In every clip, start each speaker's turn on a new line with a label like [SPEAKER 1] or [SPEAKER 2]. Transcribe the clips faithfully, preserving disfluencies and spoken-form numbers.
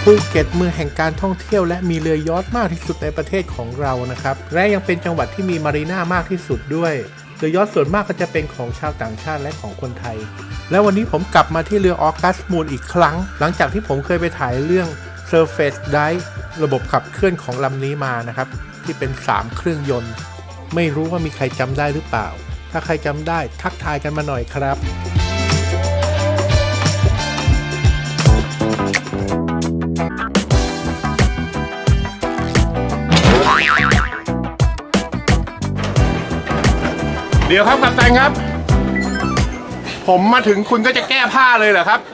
[SPEAKER 1] ภูเก็ตเมืองแห่งการท่องเที่ยวและมีเรือยอชต์มากที่สุดในประเทศของเรานะครับและยังเป็นจังหวัดที่มีมารีน่ามากที่สุดด้วยเรือยอชต์ส่วนมากก็จะเป็นของชาวต่างชาติและของคนไทยและวันนี้ผมกลับมาที่เรือออกัสมูนอีกครั้งหลังจากที่ผมเคยไปถ่ายเรื่อง Surface Dive ระบบขับเคลื่อนของลำนี้มานะครับที่เป็นสามเครื่องยนต์ไม่รู้ว่ามีใครจำได้หรือเปล่าถ้าใครจำได้ทักทายกันมาหน่อยครับ
[SPEAKER 2] เดี๋ยวครับกัปตันครับผมมาถึงคุณก็จะแก้ผ้าเลยเหรอครับ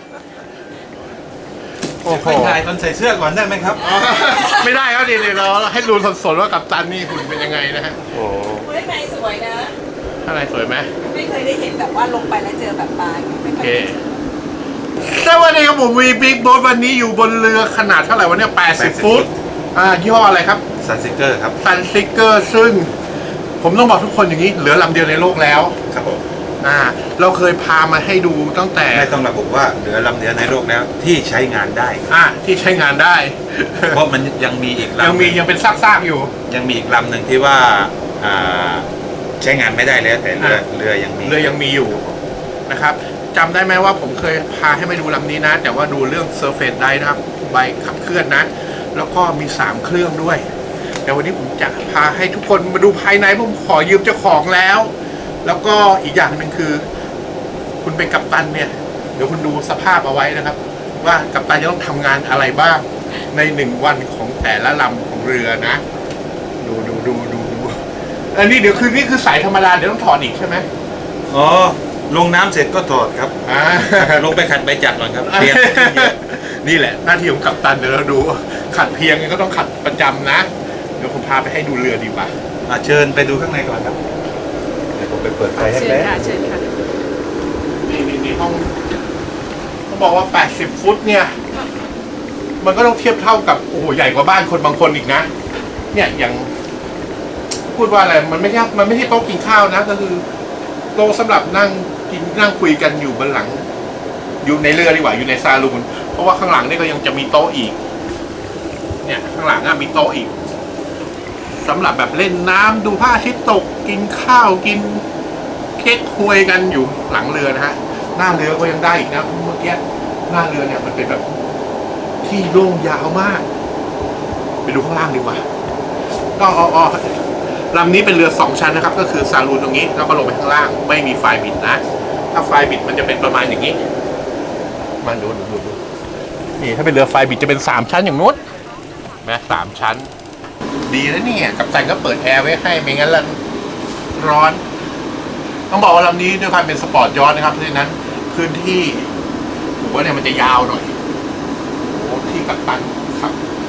[SPEAKER 2] โอ้โห
[SPEAKER 3] ไปถ่ายตอนใส่เสื้อก่อนได้ไหมครับ
[SPEAKER 2] ไม่ได้ครับเดี๋ยวเราให้ดูสดๆว่ากัปตันนี่หุ่นเป็นยังไงนะฮะโอ้
[SPEAKER 4] เฮ้ยนายสวยนะ
[SPEAKER 2] ข้างในสวยไหม
[SPEAKER 4] ไม่เคยได้เห็นแบบว่าลงไปแล้วเจอแบบปลาไม่
[SPEAKER 2] โอ
[SPEAKER 4] เค
[SPEAKER 2] เค
[SPEAKER 4] ย
[SPEAKER 2] สวัสดีครับผมวีบิ๊กโบ๊ทวันนี้อยู่บนเรือขนาดเท่าไหร่วะเนี่ยแปดสิบฟุตอ่ายี่ห้ออะไรครับ
[SPEAKER 3] ซันซิเกอร์ครับ
[SPEAKER 2] ซันซิกเกอร์ซึ่งผมต้องบอกทุกคนอย่างนี้เหลือลำเดียวในโลกแล้ว
[SPEAKER 3] ครับผม
[SPEAKER 2] อ่าเราเคยพามาให้ดูตั้งแต่
[SPEAKER 3] ไม่ต้องระบุว่าเหลือลำเดียวในโลกแล้วที่ใช้งานได้
[SPEAKER 2] อ่าที่ใช้งานได้
[SPEAKER 3] เพราะมันยังมีอีกลำ
[SPEAKER 2] ยังมียังเป็นซากๆอยู่
[SPEAKER 3] ยังมีอีกลำหนึ่งที่ว่าอ่าใช้งานไม่ได้แล้วแต่เรือ
[SPEAKER 2] อ่ะ
[SPEAKER 3] เรือยังมี
[SPEAKER 2] เรือยังมีอยู่นะครับจำได้ไหมว่าผมเคยพาให้ไปดูลำนี้นะ แต่ว่าดูเรื่อง Surface Dive นะครับใบขับเคลื่อนนะ แล้วก็มีสามเครื่องด้วย แต่วันนี้ผมจะพาให้ทุกคนมาดูภายในผมขอยืมเจ้าของแล้ว แล้วก็อีกอย่างหนึ่งคือ คุณเป็นกัปตันเนี่ยเดี๋ยวคุณดูสภาพเอาไว้นะครับ ว่ากัปตันจะต้องทำงานอะไรบ้างในหนึ่งวันของแต่ละลำของเรือนะ ดูดูดูดูดูอันนี้เดี๋ยวคือนี่คือสายธรรมดาเดี๋ยวต้องถอดอีกใช่ไหม
[SPEAKER 3] อ๋อลงน้ำเสร็จก็ถอดครับ
[SPEAKER 2] อ่า
[SPEAKER 3] ลงไปขัดใบจักรก่อนครับเปลี่ยนขึ้นเยอะ
[SPEAKER 2] นี่แหละหน้าที่ของกัปตันเดี๋ยวเราดูขัดเพียงก็ต้องขัดประจำนะเดี๋ยวผมพาไปให้ดูเรือดีกว่า
[SPEAKER 3] อ่ะเชิญไปดูข้างในก่อนครับเดี๋ยวผมไปเปิดไฟให้
[SPEAKER 4] เชิญ
[SPEAKER 3] แล้ว
[SPEAKER 4] ค่ะเชิญค่ะ
[SPEAKER 2] นี่นี่นี่ห้องต้องบอกว่าแปดสิบฟุตเนี่ย มันก็ต้องเทียบเท่ากับโอ้โหใหญ่กว่าบ้านคนบางคนอีกนะ เนี่ยอย่างพูดว่าอะไรมันไม่ใช่มันไม่ใช่โต๊ะกินข้าวนะ ก็คือโต๊ะสำหรับนั่งกินนั่งคุยกันอยู่บนหลัง อยู่ในเรือดีกว่าอยู่ในซาลูนเพราะว่าข้างหลังนี่ก็ยังจะมีโต๊ะอีก เนี่ยข้างหลังอะมีโต๊ะอีกสำหรับแบบเล่นน้ำดูพระอาทิตย์ตกกินข้าวกินเค้กควยกันอยู่หลังเรือนะฮะหน้าเรือก็ยังได้อีกนะเมื่อกี้หน้าเรือเนี่ยมันเป็นแบบที่โล่งยาวมาก ไปดูข้างล่างดีกว่าก็อ๋ออ๋อลำนี้เป็นเรือสองชั้นนะครับ ก็คือซาลูนตรงนี้แล้วก็ลงไปข้างล่างไม่มีไฟบิดนะถ้าไฟบิดมันจะเป็นประมาณอย่างนี้มาดูดูดูดูนี่ถ้าเป็นเรือไฟบิดจะเป็นสามชั้นอย่างนู้นแม้สามชั้น ดีนะเนี่ยกัปตันก็เปิดแอร์ไว้ให้ไม่งั้นละร้อน ต้องบอกว่าลำนี้ด้วยความเป็นสปอร์ตยอทนะครับเพราะฉะนั้นพื้นที่ผมว่าเนี่ยมันจะยาวหน่อยโอ้ที่กัปตันครับ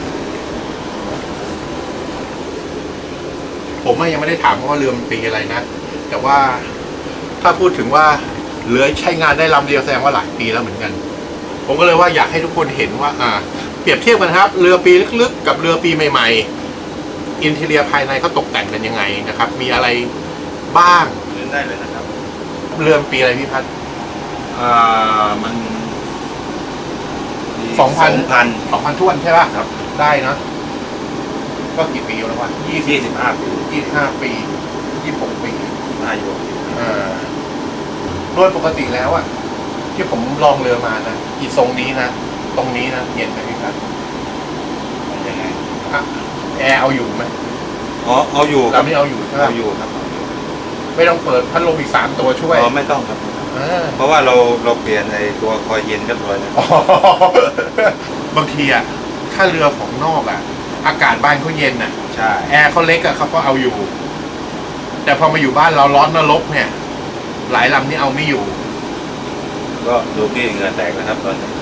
[SPEAKER 2] ผมยังไม่ได้ถามว่าเรือมันปีอะไรนะแต่ว่าถ้าพูดถึงว่าเรือใช้งานได้ลำเดียวแสดงว่าหลายปีแล้วเหมือนกัน ผมก็เลยว่าอยากให้ทุกคนเห็นว่า อ่า เปรียบเทียบกันครับ เรือปีลึกๆกับเรือปีใหม่ๆอินทีเรียภายในเขาตกแต่งกันยังไงนะครับ มีอะไรบ้าง
[SPEAKER 3] เดินได้เลยนะครับ
[SPEAKER 2] เรือปีอะไรพี่พัฒน์
[SPEAKER 3] อ่ามัน
[SPEAKER 2] สองพัน
[SPEAKER 3] พัน
[SPEAKER 2] สองพันท้วนใช่ป่ะ
[SPEAKER 3] ครับ
[SPEAKER 2] ได้เนอะก็กี่ปีแล้ววะยี่สิบ
[SPEAKER 3] ยี่สิบห้าปี
[SPEAKER 2] ยี่สิบห้าปียี่สิบหกปี
[SPEAKER 3] อายุ
[SPEAKER 2] อ่าโดยปกติแล้วอะที่ผมลองเรือมานะอีทรงนี้นะตรงนี้นะเย็นไหมพี่ครับ
[SPEAKER 3] ยังไง
[SPEAKER 2] อ่ะแอร์เอาอยู่ไหม
[SPEAKER 3] อ๋อเอาอยู่ค
[SPEAKER 2] ลำ
[SPEAKER 3] รับ
[SPEAKER 2] นี้เอาอยู่ใช่ไหม
[SPEAKER 3] เอาอยู่ครับเอาอยู่
[SPEAKER 2] ไม่ต้องเปิดพัดลมอีกสามตัวช่วย
[SPEAKER 3] อ๋อไม่ต้องครับ
[SPEAKER 2] อ่า
[SPEAKER 3] เพราะว่าเราเราเปลี่ยนในตัวคอยเย็นเรียบร้อยแล้ว
[SPEAKER 2] อ๋อบางทีอะถ้าเรือของนอกอะอากาศบ้านเขาเย็นอะ
[SPEAKER 3] ใช่
[SPEAKER 2] แอร์เขาเล็กอะเขาก็เอาอยู่ แต่พอมาอยู่บ้านเราร้อนนรกเนี่ย หลายลำนี่เอาไม่อยู่
[SPEAKER 3] ก็ดูพี่เหงื่อแตกนะครับตอนนี้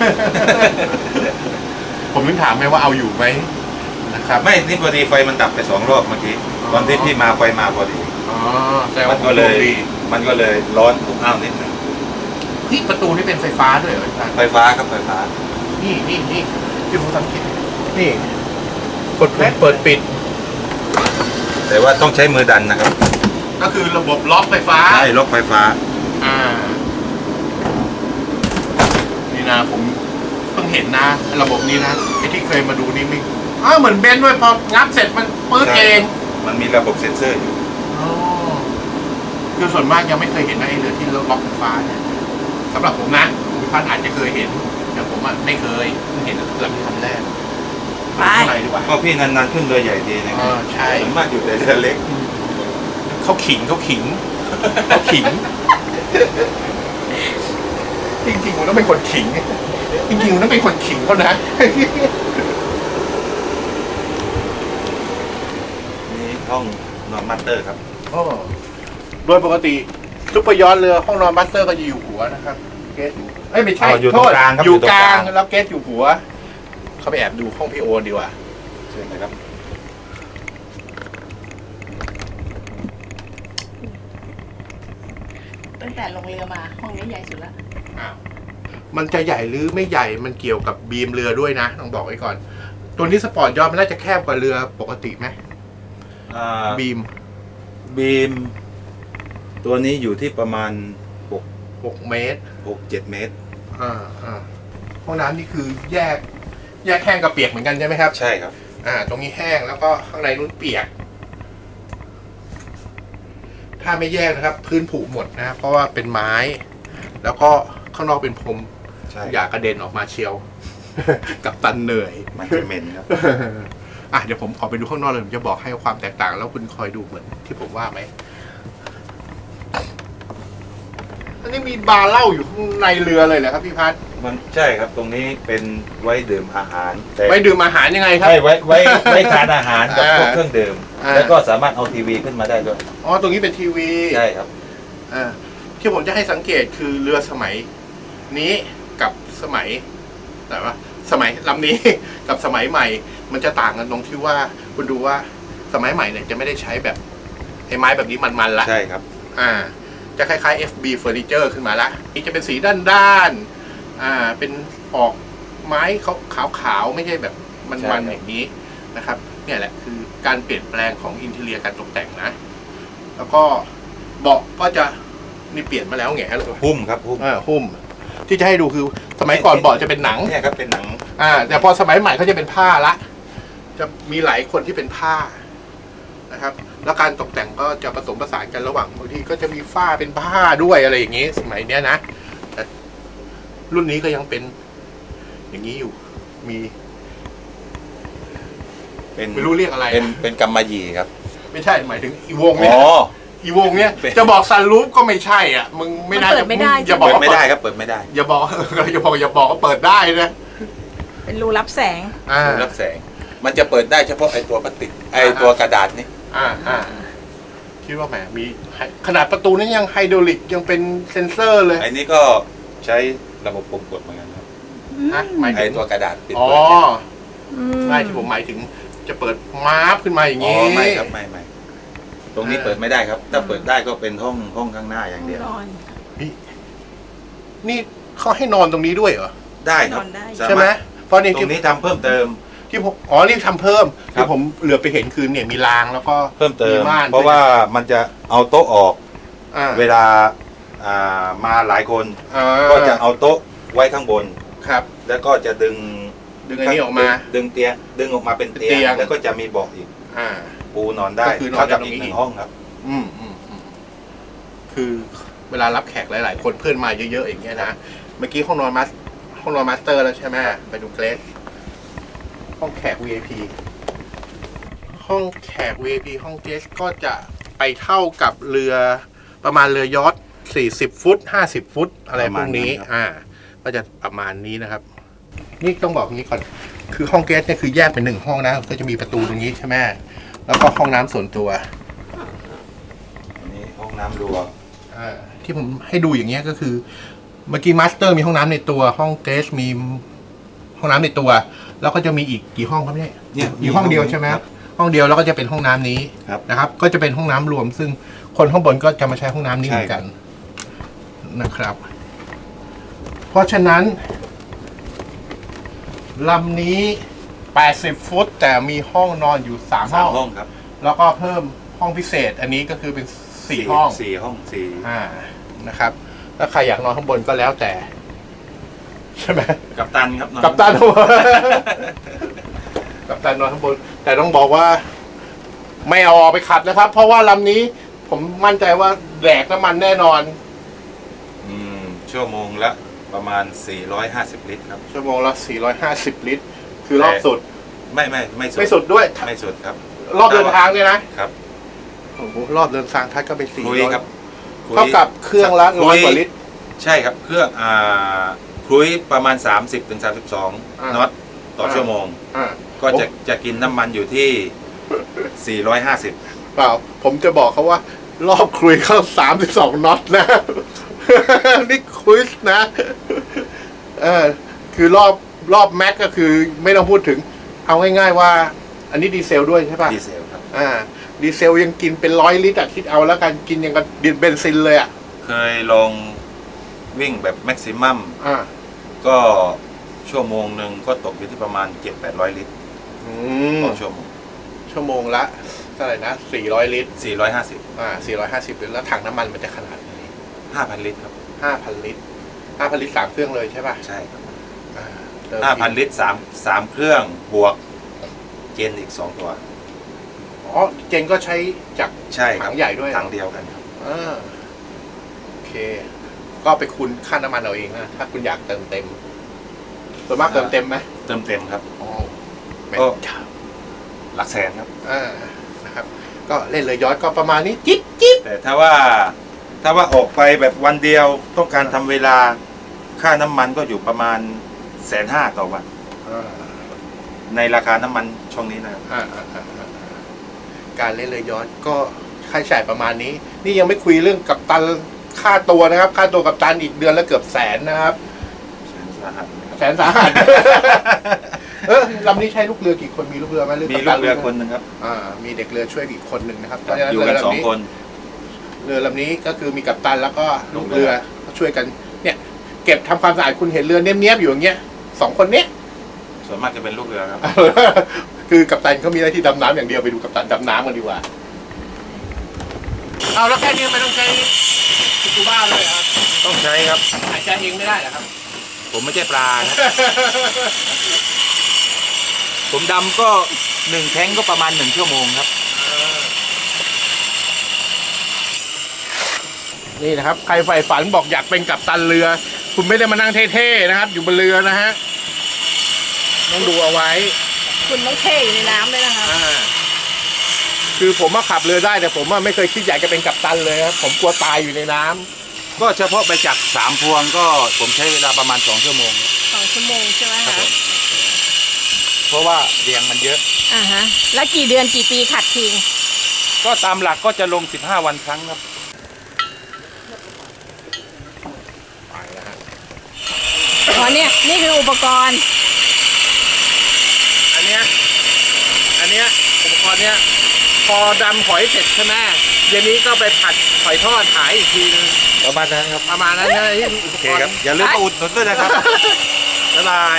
[SPEAKER 2] ผมถึงถามไหมว่าเอาอยู่ไหมนะครับ
[SPEAKER 3] ไม่นี่พอดีไฟมันดับไปสองรอบเมื่อกี้
[SPEAKER 2] อ๋อ
[SPEAKER 3] ตอนที่พี่มาไฟมาพอดี
[SPEAKER 2] อ๋อแต่
[SPEAKER 3] มั
[SPEAKER 2] ว่าน
[SPEAKER 3] ก็เลย
[SPEAKER 2] ดี
[SPEAKER 3] มันก็เลยร้อนอบอ้าวนิดหนึ่ง
[SPEAKER 2] ที่ประตูนี่เป็นไฟฟ้าด้วยเหรออาจารย์
[SPEAKER 3] ไฟฟ้าครับไฟฟ้า
[SPEAKER 2] นี่นี่นี่ที่ผมสังเกตนี่กดปุ่มเปิดปิด
[SPEAKER 3] แต่ว่าต้องใช้มือดันนะครับ
[SPEAKER 2] ก็คือระบบล็อกไฟฟ้า
[SPEAKER 3] ใช่ล็อกไฟฟ้า
[SPEAKER 2] อ่า นี่นะผมเพิ่งเห็นนะระบบนี้นะไอ้ที่เคยมาดูนี่ไม่อ้าวเหมือนเบนซ์ด้วยพองับเสร็จมันปื๊ดเอง
[SPEAKER 3] มันมีระบบเซ็นเซอร์อยู่
[SPEAKER 2] อ๋อคือส่วนมากยังไม่เคยเห็นนะไอ้เรือที่ล็อกไฟฟ้าเนี่ยสำหรับผมนะคุณพันอาจจะเคยเห็นแต่ผมอ่ะไม่เคยเพิ่งเห็นเรือที่ทำแรก
[SPEAKER 4] ไป
[SPEAKER 2] ข้างในดีกว่า
[SPEAKER 3] ก็พี่นานๆขึ้นเรือใหญ่ทีนะ
[SPEAKER 2] เออใช่
[SPEAKER 3] ส่วนมากอยู่แต่เรือเล็ก
[SPEAKER 2] เขาขิงเขาขิงเขาขิง จริงๆผมต้องเป็นคนขิงจริงๆผมต้องเป็นคนขิงเขานะ
[SPEAKER 3] นี่ห้องนอนมาสเตอร์ครับ
[SPEAKER 2] อ๋อโดยปกติซุปเปอร์ยอทเรือห้องนอนบัสเตอร์ก็จะอยู่หัวนะครับ เกสอยู่เอ้ยไม่ใช่
[SPEAKER 3] อ๋ออยู่
[SPEAKER 2] โท
[SPEAKER 3] ตรง
[SPEAKER 2] ษ
[SPEAKER 3] กลางครับ
[SPEAKER 2] อยู่
[SPEAKER 3] อยู่ตรง
[SPEAKER 2] ก
[SPEAKER 3] ก
[SPEAKER 2] ลา
[SPEAKER 3] ลาง ง
[SPEAKER 2] แล้วเกสอยู่หัว เข้าไปแอบดูห้องพี่โอดีกว่า
[SPEAKER 3] เชิญนะครับ
[SPEAKER 4] ตั้งแต่ลงเรือมาห้องนี้ใหญ่สุดละ
[SPEAKER 2] อ้าวมันจะใหญ่หรือไม่ใหญ่มันเกี่ยวกับบีมเรือด้วยนะต้องบอกไว้ก่อน ตัวนี้สปอร์ตยอทมันน่าจะแคบกว่าเรือปกติไหม
[SPEAKER 3] อ่า
[SPEAKER 2] บีม
[SPEAKER 3] บีม ตัวนี้อยู่ที่ประมาณหก
[SPEAKER 2] หกเมตร
[SPEAKER 3] หกเจ็ดเมตร
[SPEAKER 2] อ่าอ่าห้องน้ำนี่คือแยก แยกแห้งกับเปียกเหมือนกันใช่ไหมครับ
[SPEAKER 3] ใช่ครับ
[SPEAKER 2] อ่า ตรงนี้แห้งแล้วก็ข้างในนู้นเปียก ถ้าไม่แยกนะครับ พื้นผุหมดนะครับเพราะว่าเป็นไม้ แล้วก็ข้างนอกเป็นพรม
[SPEAKER 3] ใช่
[SPEAKER 2] อย่ากระเด็นออกมาเชียว กับตันเหนื่อย
[SPEAKER 3] มันจะเหม็นครับ
[SPEAKER 2] อ่ะเดี๋ยวผมขอไปดูข้างนอกเลยผมจะบอกให้ความแตกต่าง แล้วคุณคอยดูเหมือนที่ผมว่าไหมอันนี้มีบาร์เหล้าอยู่ข้างในเรือเลยเหรอครับพี่พัฒน์
[SPEAKER 3] มันใช่ครับ ตรงนี้เป็นไว้ดื่มอาหารแต่
[SPEAKER 2] ไว้ดื่มอาหารยังไงครับ
[SPEAKER 3] ใช่ไว้ไว้ไว้ทานอาหารกับ
[SPEAKER 2] อ่า
[SPEAKER 3] พวกเครื่องดื่ม
[SPEAKER 2] อ่า
[SPEAKER 3] แล้วก็สามารถเอาทีวีขึ้นมาได้ด้วย
[SPEAKER 2] อ๋อตรงนี้เป็นทีวี
[SPEAKER 3] ใช่ครับ
[SPEAKER 2] อ่าที่ผมจะให้สังเกตคือเรือสมัยนี้กับสมัยแต่ว่าสมัยลำนี้ กับสมัยใหม่ มันจะต่างกันตรงที่ว่าคุณดูว่าสมัยใหม่เนี่ยจะไม่ได้ใช้แบบไอ้ไม้แบบนี้มันๆละ
[SPEAKER 3] ใช่ครับ
[SPEAKER 2] อ่า จะคล้ายๆ เอฟ บี Furniture ขึ้นมาละนี่จะเป็นสีด้านๆอ่าเป็นออกไม้ขาวๆไม่ใช่แบบมันๆอย่างนี้นะครับ เนี่ยแหละคือการเปลี่ยนแปลงของอินเทเรียการตกแต่งนะ แล้วก็เบาะก็จะนี่เปลี่ยนมาแล้วแง่เลย
[SPEAKER 3] หุ้มครับหุ้ม
[SPEAKER 2] อ่าหุ้ม ที่จะให้ดูคือสมัยก่อนเบาะจะเป็นหนัง
[SPEAKER 3] เนี่ยครับเป็นหนัง
[SPEAKER 2] อ่า แต่พอสมัยใหม่เขาจะเป็นผ้าละ จะมีหลายคนที่เป็นผ้านะครับ แล้วการตกแต่งก็จะผสมผสานกันระหว่างบางทีก็จะมีฝ้าเป็นผ้าด้วยอะไรอย่างนี้ สมัยเนี้ยนะแต่รุ่นนี้ก็ยังเป็นอย่างนี้อยู่ มี
[SPEAKER 3] เป็น
[SPEAKER 2] ไม่รู้เรียกอะไร
[SPEAKER 3] เป็นเป็นกำมะหยี่ครับ
[SPEAKER 2] ไม่ใช่หมายถึงอีวงเนี่ย
[SPEAKER 3] อ๋อ
[SPEAKER 2] อีวงเนี่ย
[SPEAKER 3] เป็น
[SPEAKER 2] จะบอกซันรูฟก็ไม่ใช่อ่ะมึงไม่น่า
[SPEAKER 4] มันเปิ
[SPEAKER 2] จะ
[SPEAKER 4] ดไม่ได้
[SPEAKER 2] อย่าบอ
[SPEAKER 3] เปิ
[SPEAKER 2] ก
[SPEAKER 3] ด
[SPEAKER 2] ว่า
[SPEAKER 3] ไม่ได้ครับเปิดไม่ได้
[SPEAKER 2] อย่าบอก อย่าบอกอย่าบอกว่าเปิดได้นะ
[SPEAKER 4] เป็นรูรับแสง
[SPEAKER 2] อ่า
[SPEAKER 3] ดูรับแสง มันจะเปิดได้เฉพาะไอ้ตัวพลาสติกไอ้ตัวกระดาษนี่
[SPEAKER 2] อ่าอ่าคิดว่าแหมมีขนาดประตูนั้นยังไฮดรอลิกยังเป็นเซ็นเซอร์เลย
[SPEAKER 3] ไอ้นี่ก็ใช้ระบบปุ่มกดเหมือนกันครับ
[SPEAKER 2] ฮะหมาย
[SPEAKER 3] ไอ้
[SPEAKER 2] ถึง
[SPEAKER 3] ตัวกระดาษปิด
[SPEAKER 2] อ๋อ
[SPEAKER 3] เปิดเนี่ย
[SPEAKER 2] ไม่ที่ผมหมายถึงจะเปิดมาร์ฟขึ้นมาอย่าง
[SPEAKER 3] อ๋อ
[SPEAKER 2] นี้
[SPEAKER 3] ไม่ครับไม่ไม่ตรงนี้
[SPEAKER 2] อ่า
[SPEAKER 3] เปิดไม่ได้ครับ ถ้าเปิดได้ก็เป็นห้องห้องข้างหน้าอย่างเดียว
[SPEAKER 4] นอน
[SPEAKER 2] นี่นี่เขาให้นอนตรงนี้ด้วยเหรอ
[SPEAKER 3] ได้ครับ
[SPEAKER 4] นอนได้
[SPEAKER 3] สาารถ
[SPEAKER 2] ใช่ไหมเพราะนี่
[SPEAKER 3] ตร
[SPEAKER 2] ที่
[SPEAKER 3] งนี้ทำเพิ่มเติม
[SPEAKER 2] ที่ผมอ๋อนี่ทำเพิ่ม
[SPEAKER 3] ครั
[SPEAKER 2] ที่
[SPEAKER 3] บ
[SPEAKER 2] ผมเหลือไปเห็นคือเนี่ยมีรางแล้วก็
[SPEAKER 3] เพิ่มเติม
[SPEAKER 2] ม่าน
[SPEAKER 3] เพราะว่ามันจะเอาโต๊ะออก
[SPEAKER 2] อ่า
[SPEAKER 3] เวลาอ่ามาหลายคน
[SPEAKER 2] อ่า
[SPEAKER 3] ก็จะเอาโต๊ะไว้ข้างบน
[SPEAKER 2] ครับ
[SPEAKER 3] แล้วก็จะดึง
[SPEAKER 2] ดึงอันนี้ออกมา
[SPEAKER 3] ดึงเตียงดึงออกมาเป็นเตี
[SPEAKER 2] เตี
[SPEAKER 3] ย
[SPEAKER 2] ย
[SPEAKER 3] ง
[SPEAKER 2] ง
[SPEAKER 3] แล้วก็จะมีเบาะอีก
[SPEAKER 2] อ่า
[SPEAKER 3] ปูนอนได้
[SPEAKER 2] ก็คือนอน
[SPEAKER 3] เท่ากับ
[SPEAKER 2] ได้ตรง
[SPEAKER 3] อี
[SPEAKER 2] นี้
[SPEAKER 3] กหนึ่
[SPEAKER 2] อี
[SPEAKER 3] ง
[SPEAKER 2] ก
[SPEAKER 3] ห้องครับ
[SPEAKER 2] อืมอืมอืมคือเวลารับแขกหลาย ๆ คนเพื่อนมาเยอะ ๆ อย่างเงี้ยนะ เมื่อกี้ห้องนอนมาสห้องนอนมาสเตอร์แล้วใช่ไหมไปดูเกรสห้องแขก วี ไอ พี ห้องแขก วี ไอ พี ห้องเกรสก็จะไปเท่ากับเรือประมาณเรือยอทสี่สิบฟุตห้าสิบฟุตอะไรพวกนี้
[SPEAKER 3] ประมาณนั้นครับ
[SPEAKER 2] อ่า ก็จะประมาณนี้นะครับ นี่ต้องบอกงี้ก่อน คือห้องเกรสเนี่ยคือแยกเป็นหนึ่งห้องนะ ก็จะมีประตูตรงนี้ใช่ไหมแล้วก็ห้องน้ำส่วนตัว
[SPEAKER 3] อันนี้ห้องน้ำรวม
[SPEAKER 2] อ่าที่ผมให้ดูอย่างเงี้ยก็คือ เมื่อกี้มาสเตอร์มีห้องน้ำในตัวห้องเกสมีห้องน้ำในตัว แล้วก็จะมีอีกกี่ห้องครับเนี่ย
[SPEAKER 3] เนี่ย
[SPEAKER 2] อยู่ห้องเดียวใช่ไหม
[SPEAKER 3] ครับ
[SPEAKER 2] ห้องเดียวแล้วก็จะเป็นห้องน้ำนี้
[SPEAKER 3] ครับ
[SPEAKER 2] นะครับ ก็จะเป็นห้องน้ำรวม ซึ่งคนข้างบนก็จะมาใช้ห้องน้ำนี้
[SPEAKER 3] ใช่
[SPEAKER 2] เหมือนกันนะครับ เพราะฉะนั้นลำนี้แปดสิบฟุต แต่มีห้องนอนอยู่สาม
[SPEAKER 3] สา
[SPEAKER 2] ห้
[SPEAKER 3] ม
[SPEAKER 2] อง
[SPEAKER 3] ห้องครับ
[SPEAKER 2] แล้วก็เพิ่มห้องพิเศษ อันนี้ก็คือเป็นสี่ห้อง
[SPEAKER 3] สี่ห้องสี่
[SPEAKER 2] อ่า นะครับ ถ้าใครอยากนอนข้างบนก็แล้วแต่ใช่ไหม
[SPEAKER 3] กัปตันครับนอน
[SPEAKER 2] กัปตัน กัปตันนอนข้างบนแต่ต้องบอกว่า ไม่เอาออกไปขัดนะครับ เพราะว่าลำนี้ ผมมั่นใจว่าแดกน้ำมันแน่นอน
[SPEAKER 3] อืมชั่วโมงละประมาณสี่ร้อยห้าสิบลิตรครับ
[SPEAKER 2] ชั่วโมงละสี่ร้อยห้าสิบลิตร คือรอบสุด
[SPEAKER 3] ไม่ไม่ไม่สุด
[SPEAKER 2] ไม่สุดด้วย
[SPEAKER 3] ไม่สุดครับ
[SPEAKER 2] รอบเดินทางเนี่ยนะครับ โอ้โหรอบเดินทางทัดก็เป็นสี่
[SPEAKER 3] คุ
[SPEAKER 2] ร้
[SPEAKER 3] ย
[SPEAKER 2] อย
[SPEAKER 3] ครับคุย
[SPEAKER 2] เท่ากับเครื่องละ
[SPEAKER 3] คุ
[SPEAKER 2] ร้อยกว่าลิตร
[SPEAKER 3] ใช่ครับ เครื่องอ่าครุยประมาณสามสิบถึงสามสิบสอง
[SPEAKER 2] อ่า
[SPEAKER 3] น็อตต่อชั่วโมง
[SPEAKER 2] อ่า
[SPEAKER 3] ก็จะจะกินน้ำมันอยู่ที่สี่ร้อยห้าสิบ
[SPEAKER 2] เปล่า ผมจะบอกเขาว่า รอบคุยเข้าสามสิบสองน็อตนะ นี่คุยนะ เออ คือรอบรอบแม็กก็คือไม่ต้องพูดถึง เอาง่ายๆว่า อันนี้ดีเซลด้วยใช่ป่ะ
[SPEAKER 3] ดีเซลครับ
[SPEAKER 2] อ่า ดีเซลยังกินเป็นร้อยลิตรอะคิดเอาแล้วกันกินยังกับดินเบนซินเลยอะ
[SPEAKER 3] เคยลองวิ่งแบบแม็กซิมัม
[SPEAKER 2] อ่า
[SPEAKER 3] ก็ชั่วโมงหนึ่งก็ตกอยู่ที่ประมาณเจ็ดแปดร้อยลิตร
[SPEAKER 2] อืม
[SPEAKER 3] ต่อชั่วโมง
[SPEAKER 2] ชั่วโมงละเท่าไหร่นะสี่ร้อยลิตร
[SPEAKER 3] สี่ร้อยห้าสิบ
[SPEAKER 2] อ่าสี่ร้อยห้าสิบลิตรแล้วถังน้ำมันมันจะขนาดไหน
[SPEAKER 3] ห้าพันลิตรครับ
[SPEAKER 2] ห้าพันลิตรห้าพันลิตรสามเครื่องเลยใช่ป่ะ
[SPEAKER 3] ใช่ครับ
[SPEAKER 2] อ่าเติม
[SPEAKER 3] ห้าพันลิตรสามสามเครื่องบวกเจนอีกสองตัว
[SPEAKER 2] อ๋อเจนก็ใช้จาก
[SPEAKER 3] ใช่ครับ
[SPEAKER 2] ถังใหญ่ด้วยเหรอ
[SPEAKER 3] ถังเดียวกันครับ
[SPEAKER 2] อ่าโอเค ก็ไปคูณค่าน้ำมันเอาเองนะถ้าคุณอยากเติมเต็มส่วนมากเติมเต็มไหม
[SPEAKER 3] เติมเต็มครับ
[SPEAKER 2] อ๋อแม่
[SPEAKER 3] ก็
[SPEAKER 2] เจ้า
[SPEAKER 3] หลักแสนครับ
[SPEAKER 2] อ่านะครับ ก็เล่นเลยย้อนก็ประมาณนี้จิ๊บจิ๊บ
[SPEAKER 3] แต่ถ้าว่าถ้าว่าออกไปแบบวันเดียวต้องการทำเวลาค่าน้ำมันก็อยู่ประมาณแสนห้าต่อวัน
[SPEAKER 2] อ่า
[SPEAKER 3] ในราคาน้ำมันช่วงนี้นะครับ
[SPEAKER 2] อ่าอ่าอ่าอ่าการเล่นเลยย้อนก็ค่าใช้จ่ายประมาณนี้ นี่ยังไม่คุยเรื่องกัปตันค่าตัวนะครับ ค่าตัวกัปตันอีกเดือนละเกือบแสนนะครับ
[SPEAKER 3] สาหัสนะครับ
[SPEAKER 2] แสนสาหัส เออลำนี้ใช้ลูกเรือกี่คนมีลูกเรือไหมหรือ
[SPEAKER 3] มี
[SPEAKER 2] กัป
[SPEAKER 3] ลู
[SPEAKER 2] ตั
[SPEAKER 3] กเรือคนหนึงครับ
[SPEAKER 2] อ่า มีเด็กเรือช่วยอีกคนหนึ่งนะครับ
[SPEAKER 3] อยู่กันสองคน
[SPEAKER 2] เรือลำนี้ก็คือมีกัปตันแล้วก็ลูกเรือ
[SPEAKER 3] ลูกเรือ
[SPEAKER 2] ช่วยกัน เนี่ย เก็บทำความสะอาดคุณเห็นเรือเนี้ยบๆอยู่อย่างเงี้ยสองคนเนี้ย
[SPEAKER 3] ส่วนมากจะเป็นลูกเรือครับ
[SPEAKER 2] คือกัปตันเขามีหน้าที่ดำน้ำอย่างเดียวไปดูกัปตันดำน้ำกันดีกว่า เอาแล้วแค่นี้ไม่ต้องใช้สกูบ้าเลยครับ
[SPEAKER 3] ต้องใช้ครับ
[SPEAKER 2] หายใจเองไม่ได้เหรอครับ
[SPEAKER 3] ผมไม่ใช่ปลาครับ ผมดำก็หนึ่งแท้งก็ประมาณหนึ่งชั่วโมงครับ
[SPEAKER 2] นี่นะครับ ใครใฝ่ฝันบอกอยากเป็นกัปตันเรือ คุณไม่ได้มานั่งเท่ๆนะครับ อยู่บนเรือนะฮะ ต้องดูเอาไว้
[SPEAKER 4] คุณต้องเท่อยู่ในน้ำเลยนะคะ
[SPEAKER 2] อ่า คือผมมาขับเรือได้แต่ผมอะไม่เคยคิดอยากจะเป็นกัปตันเลยครับ ผมกลัวตายอยู่ในน้ำ
[SPEAKER 3] ก็เฉพาะไปจากสามพวงก็ผมใช้เวลาประมาณสองชั่วโมง
[SPEAKER 4] สองชั่วโมงใช่ไหม
[SPEAKER 3] ครับ
[SPEAKER 4] คะ
[SPEAKER 3] ผม เพราะว่าเรียงมันเยอะ
[SPEAKER 4] อ่าฮะ แล้วกี่เดือนกี่ปีขัดทิ้ง
[SPEAKER 3] ก็ตามหลักก็จะลงสิบห้าวันครั้งครับ
[SPEAKER 2] ไปแล้วฮะ
[SPEAKER 4] อ๋อเนี่ยนี่คืออุปกรณ์
[SPEAKER 2] อันเนี้ย อันเนี้ยอุปกรณ์เนี้ย พอดำหอยเสร็จใช่ไหมเย็นนี้ก็ไปผัดหอยทอดขายอีกทีนึง
[SPEAKER 3] ประมาณนั้นครับ
[SPEAKER 2] ประมาณนั้นนะที่อุป
[SPEAKER 3] โอเค
[SPEAKER 2] กรณ์
[SPEAKER 3] ครับ อย่าลืมมาอุดหนุนด้วยนะครับ
[SPEAKER 2] บ๊ายบาย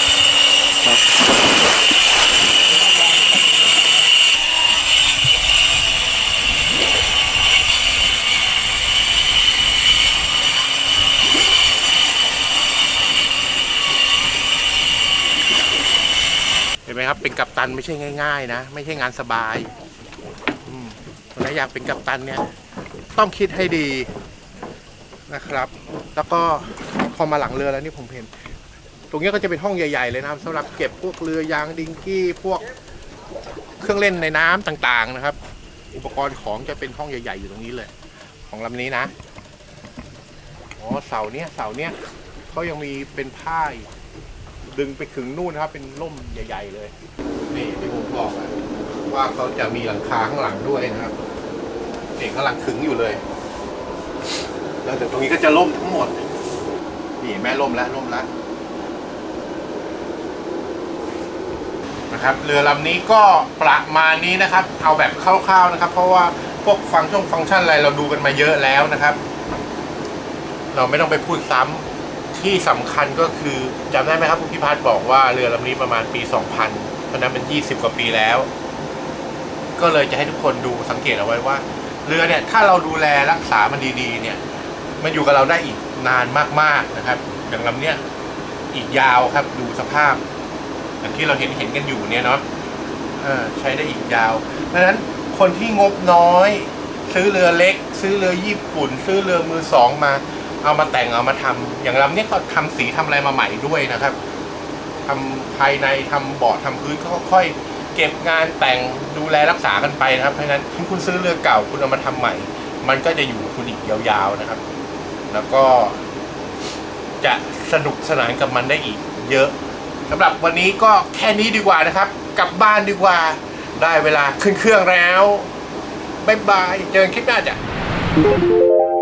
[SPEAKER 2] เห็นไหมครับ เป็นกัปตันไม่ใช่ง่ายๆนะ ไม่ใช่งานสบายอืมถ้าอยากเป็นกัปตันเนี่ย ต้องคิดให้ดีนะครับ แล้วก็พอมาหลังเรือแล้วนี่ผมเห็น ตรงนี้ก็จะเป็นห้องใหญ่ๆเลยนะครับสำหรับเก็บพวกเรือยางดิงกี้พวกเครื่องเล่นในน้ำต่างๆนะครับ อุปกรณ์ของจะเป็นห้องใหญ่ๆอยู่ตรงนี้เลย ของลำนี้นะอ๋อเสาเนี้ยเสาเนี้ยเขายังมีเป็นผ้าอีกดึงไปถึงนู่นนะครับ เป็นร่มใหญ่ ๆ เลย นี่ที่ผมบอกอะว่าเขาจะมีหลังคาข้างหลังด้วยนะครับนี่ข้างหลังขึงอยู่เลย แล้วเดี๋ยวตรงนี้ก็จะล่มทั้งหมด นี่แม่ล่มแล้วล่มแล้วนะครับ เรือลำนี้ก็ประมาณนี้นะครับ เอาแบบคร่าวๆนะครับ เพราะว่าพวกฟังก์ชันฟังก์ชันอะไรเราดูกันมาเยอะแล้วนะครับ เราไม่ต้องไปพูดซ้ำที่สำคัญก็คือจำได้ไหมครับคุณพิพัฒน์บอกว่าเรือลำนี้ประมาณปีสองพันเพราะนั้นเป็นยี่สิบกว่าปีแล้ว ก็เลยจะให้ทุกคนดูสังเกตเอาไว้ว่า เรือเนี่ยถ้าเราดูแลรักษามันดีๆเนี่ย มันอยู่กับเราได้อีกนานมากๆนะครับ อย่างลำเนี้ยอีกยาวครับดูสภาพอย่างที่เราเห็นเห็นกันอยู่เนี่ยเนาะใช้ได้อีกยาวดังนั้นคนที่งบน้อยซื้อเรือเล็ก ซื้อเรือญี่ปุ่น ซื้อเรือมือสองมาเอามาแต่งเอามาทำอย่างลำนี้ก็ทำสีทำอะไรมาใหม่ด้วยนะครับทำภายในทำเบาะทำพื้นก็ค่อยเก็บงานแต่งดูแลรักษากันไปนะครับเพราะฉะนั้นคุณซื้อเรือเก่าคุณเอามาทำใหม่มันก็จะอยู่คุณอีกยาวๆนะครับแล้วก็จะสนุกสนานกับมันได้อีกเยอะสำหรับวันนี้ก็แค่นี้ดีกว่านะครับกลับบ้านดีกว่าได้เวลาขึ้นเครื่องแล้วบ๊ายบายเจอกันคลิปหน้าจ้ะ